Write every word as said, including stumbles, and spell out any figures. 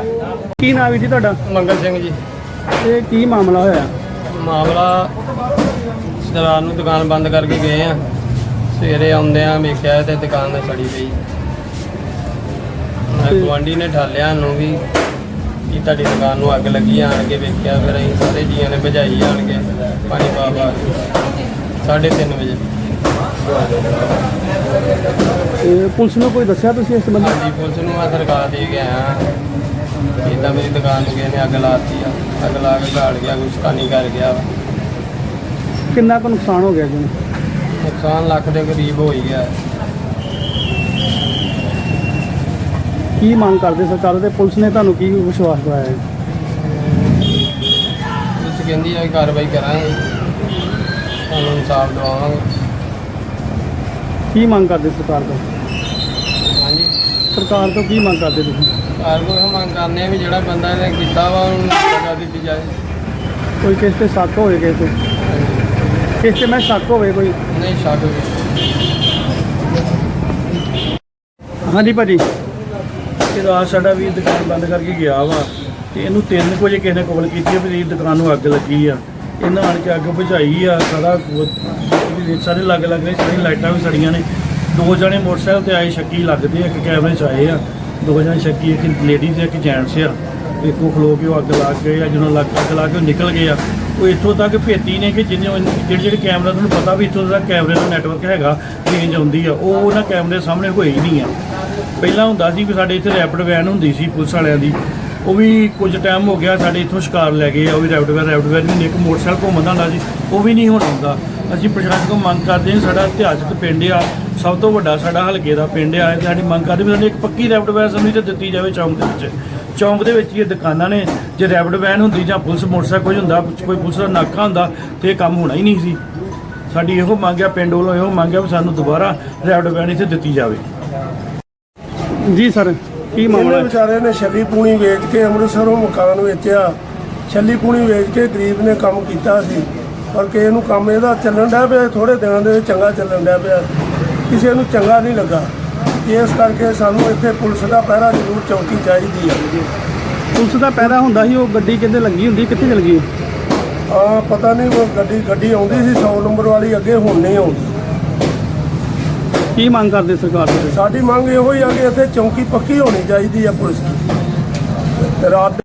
ਕੀ ਨਾਮ ਹੈ ਜੀ ਤੁਹਾਡਾ? ਮੰਗਲ ਸਿੰਘ ਜੀ। ਇਹ ਕੀ ਮਾਮਲਾ ਹੋਇਆ? ਮਾਮਲਾ ਰਾਤ ਨੂੰ ਦੁਕਾਨ ਬੰਦ ਕਰਕੇ ਗਏ ਆ, ਸਵੇਰੇ ਆਉਂਦਿਆਂ ਵੇਖਿਆ ਤੇ ਦੁਕਾਨ ਤੇ ਸੜੀ ਪਈ। ਗੁਆਂਢੀ ਨੇ ਠਾਲਿਆ ਨੂੰ ਵੀ ਕਿ ਤੁਹਾਡੀ ਦੁਕਾਨ ਨੂੰ ਅੱਗ ਲੱਗੀ। ਆਣ ਕੇ ਵੇਖਿਆ, ਫਿਰ ਅਸੀਂ ਸਾਰੇ ਜੀਆਂ ਨੇ ਭਜਾਈ ਆਣ ਕੇ ਪਾਣੀ ਪਾ ਪਾ ਸਾਢੇ ਤਿੰਨ ਵਜੇ। ਤੇ ਪੁਲਿਸ ਨੂੰ ਕੋਈ ਦੱਸਿਆ ਤੁਸੀਂ ਇਸ ਸੰਬੰਧੀ? ਹਾਂਜੀ, ਪੁਲਿਸ ਨੂੰ ਮੈਂ ਦਰਖਾਸਤ ਦੇ ਕੇ ਆਇਆ। ਇੱਦਾਂ ਮੇਰੀ ਦੁਕਾਨ ਨੂੰ ਕਿਸੇ ਨੇ ਅੱਗ ਲਾਤੀ ਆ, ਅੱਗ ਲਾ ਕੇ ਝਾੜ ਗਿਆ, ਕੁਛ ਕਾਨੀ ਕਰ ਗਿਆ। ਕਿੰਨਾ ਕੁ ਨੁਕਸਾਨ ਹੋ ਗਿਆ ਜੀ? ਨੁਕਸਾਨ ਲੱਖ ਦੇ ਕਰੀਬ ਹੋ ਹੀ ਗਿਆ। ਕੀ ਮੰਗ ਕਰਦੇ ਸਰਕਾਰ ਤੇ ਪੁਲਿਸ ਨੇ ਤੁਹਾਨੂੰ ਕੀ ਵਿਸ਼ਵਾਸ ਦਿਵਾਇਆ ਹੈ? ਪੁਲਿਸ ਕਹਿੰਦੀ ਆ ਕਾਰਵਾਈ ਕਰਾਂਗੇ, ਤੁਹਾਨੂੰ ਇਨਸਾਫ ਦਿਵਾਵਾਂਗੇ। ਕੀ ਮੰਗ ਕਰਦੇ ਸਰਕਾਰ ਤੋਂ? ਹਾਂਜੀ, ਸਰਕਾਰ ਤੋਂ ਕੀ ਮੰਗ ਕਰਦੇ ਤੁਸੀਂ? ਕਾਰ ਕੋਈ ਮੰਗ ਕਰਨੇ ਆ ਵੀ ਜਿਹੜਾ ਬੰਦਾ ਇਹਨੇ ਕੀਤਾ ਵਾ ਉਹਨੂੰ ਸਜ਼ਾ ਦਿੱਤੀ ਜਾਏ। ਕੋਈ ਕਿਸੇ ਤੇ ਸ਼ੱਕ ਹੋਵੇ, ਕਿਸੇ ਤੇ ਕਿਸੇ ਤੇ ਮੈਂ ਸ਼ੱਕ ਹੋਵੇ ਕੋਈ? ਨਹੀਂ ਸ਼ੱਕ। ਹਾਂਜੀ ਭਾਜੀ। ਇਹ ਰਾਤ ਸਾਡਾ ਵੀ ਦੁਕਾਨ ਬੰਦ ਕਰਕੇ ਗਿਆ ਵਾ ਤੇ ਇਹਨੂੰ ਤਿੰਨ ਕੁ ਵਜੇ ਕਿਸੇ ਨੇ ਕਾਲ ਕੀਤੀ ਵੀ ਦੁਕਾਨ ਨੂੰ ਅੱਗ ਲੱਗੀ ਆ। ਇਹਨਾਂ ਆਣ ਕੇ ਅੱਗ ਬੁਝਾਈ ਆ। ਸਾਰਾ ਸਾਰੇ ਲੱਗ ਲੱਗ ਰਹੇ, ਸਾਰੀਆਂ ਲਾਈਟਾਂ ਵੀ ਸੜੀਆਂ ਨੇ। ਦੋ ਜਣੇ ਮੋਟਰਸਾਈਕਲ ਤੇ ਆਏ, ਸ਼ੱਕੀ ਲੱਗਦੇ ਆ, ਇੱਕ ਕੈਮਰੇ 'ਚ ਆਏ ਆ। ਦੋ ਜਣੇ ਸ਼ੱਕੀ, ਇੱਕ ਲੇਡੀਜ਼ ਇੱਕ ਜੈਂਟਸ ਆ। ਇੱਕੋ ਖਲੋ ਕੇ ਉਹ ਅੱਗ ਲਾ ਗਏ ਆ। ਜਦੋਂ ਲੱਗ ਅੱਗ ਲਾ ਕੇ ਉਹ ਨਿਕਲ ਗਏ ਆ। ਉਹ ਇੱਥੋਂ ਤੱਕ ਭੇਤੀ ਨੇ ਕਿ ਜਿਹਨੇ ਜਿਹੜੇ ਜਿਹੜੇ ਕੈਮਰਾ ਤੁਹਾਨੂੰ ਪਤਾ ਵੀ ਇੱਥੋਂ ਦਾ ਕੈਮਰੇ ਦਾ ਨੈਟਵਰਕ ਹੈਗਾ, ਰੇਂਜ ਆਉਂਦੀ ਆ, ਉਹ ਉਹਨਾਂ ਕੈਮਰੇ ਸਾਹਮਣੇ ਹੋਈ ਨਹੀਂ ਆ। ਪਹਿਲਾਂ ਹੁੰਦਾ ਸੀ ਵੀ ਸਾਡੇ ਇੱਥੇ ਰੈਪਿਡ ਵੈਨ ਹੁੰਦੀ ਸੀ ਪੁਲਿਸ ਵਾਲਿਆਂ ਦੀ, ਉਹ ਵੀ ਕੁਝ ਟਾਈਮ ਹੋ ਗਿਆ ਸਾਡੇ ਇੱਥੋਂ ਸ਼ਿਕਾਰ ਲੈ ਗਏ ਆ। ਉਹ ਵੀ ਰੈਪਿਡ ਵੈਨ ਰੈਪਿਡ ਵੈਨ ਵੀ ਇੱਕ ਮੋਟਰਸਾਈਕਲ ਘੁੰਮਦਾ ਹੁੰਦਾ ਸੀ, ਉਹ ਵੀ ਨਹੀਂ ਹੁਣ ਆਉਂਦਾ। ਅਸੀਂ ਪ੍ਰਸ਼ਾਸਨ ਕੋਲ ਮੰਗ ਕਰਦੇ ਹਾਂ, ਸਾਡਾ ਇਤਿਹਾਸਕ ਪਿੰਡ ਆ, ਸਭ ਤੋਂ ਵੱਡਾ ਸਾਡਾ ਹਲਕੇ ਦਾ ਪਿੰਡ ਆ, ਸਾਡੀ ਮੰਗ ਕਰਦੇ ਵੀ ਸਾਨੂੰ ਇੱਕ ਪੱਕੀ ਰੈਪਿਡ ਵੈਨ ਸਮਝੀ ਤੇ ਦਿੱਤੀ ਜਾਵੇ ਚੌਂਕ ਦੇ ਵਿੱਚ। ਚੌਂਕ ਦੇ ਵਿੱਚ ਹੀ ਇਹ ਦੁਕਾਨਾਂ ਨੇ। ਜੇ ਰੈਪਿਡ ਵੈਨ ਹੁੰਦੀ ਜਾਂ ਪੁਲਿਸ ਮੋਟਰਸਾਈਕਲ ਕੋਈ ਹੁੰਦਾ, ਕੋਈ ਪੁਲਿਸ ਦਾ ਨਾਕਾ ਹੁੰਦਾ ਤੇ ਇਹ ਕੰਮ ਹੋਣਾ ਹੀ ਨਹੀਂ ਸੀ। ਸਾਡੀ ਇਹੋ ਮੰਗ ਆ, ਪਿੰਡ ਵੱਲੋਂ ਇਹੋ ਮੰਗ ਆ ਵੀ ਸਾਨੂੰ ਦੁਬਾਰਾ ਰੈਪਿਡ ਵੈਨ ਇੱਥੇ ਦਿੱਤੀ ਜਾਵੇ। ਜੀ ਸਰ, ਕੀ ਮਾਮਲਾ? ਵਿਚਾਰੇ ਨੇ ਛੱਲੀ ਪੂਣੀ ਵੇਚ ਕੇ ਅੰਮ੍ਰਿਤਸਰੋਂ ਮਕਾਨ ਵੇਚਿਆ। ਛੱਲੀ ਪੂਣੀ ਵੇਚ ਕੇ ਗਰੀਬ ਨੇ ਕੰਮ ਕੀਤਾ ਸੀ, ਪਰ ਕਿਸੇ ਨੂੰ ਕੰਮ ਇਹਦਾ ਚੱਲਣ ਡਿਆ ਪਿਆ, ਥੋੜੇ ਦਿਨਾਂ ਦੇ ਵਿੱਚ ਚੰਗਾ ਚੱਲਣ ਡਿਆ ਪਿਆ, ਕਿਸੇ ਨੂੰ ਚੰਗਾ ਨਹੀਂ ਲੱਗਾ। ਇਸ ਕਰਕੇ ਸਾਨੂੰ ਇੱਥੇ ਪੁਲਿਸ ਦਾ ਪਹਿਰਾ ਜ਼ਰੂਰ ਚੌਕੀ ਚਾਹੀਦੀ ਹੈ। ਪੁਲਿਸ ਦਾ ਪਹਿਰਾ ਹੁੰਦਾ ਸੀ, ਉਹ ਗੱਡੀ ਕਿੱਥੇ ਲੱਗੀ ਹੁੰਦੀ, ਕਿੱਥੇ ਚਲ ਗਈ? ਹਾਂ ਪਤਾ ਨਹੀਂ, ਉਹ ਗੱਡੀ ਗੱਡੀ ਆਉਂਦੀ ਸੀ ਸੌ ਨੰਬਰ ਵਾਲੀ, ਅੱਗੇ ਹੁਣ ਨਹੀਂ ਆਉਂਦੀ। ਕੀ ਮੰਗ ਕਰਦੇ ਸਰਕਾਰ ਤੋਂ? ਸਾਡੀ ਮੰਗ ਇਹੋ ਹੀ ਆ ਕਿ ਇੱਥੇ ਚੌਕੀ ਪੱਕੀ ਹੋਣੀ ਚਾਹੀਦੀ ਆ ਪੁਲਿਸ ਦੀ। ਰਾਤ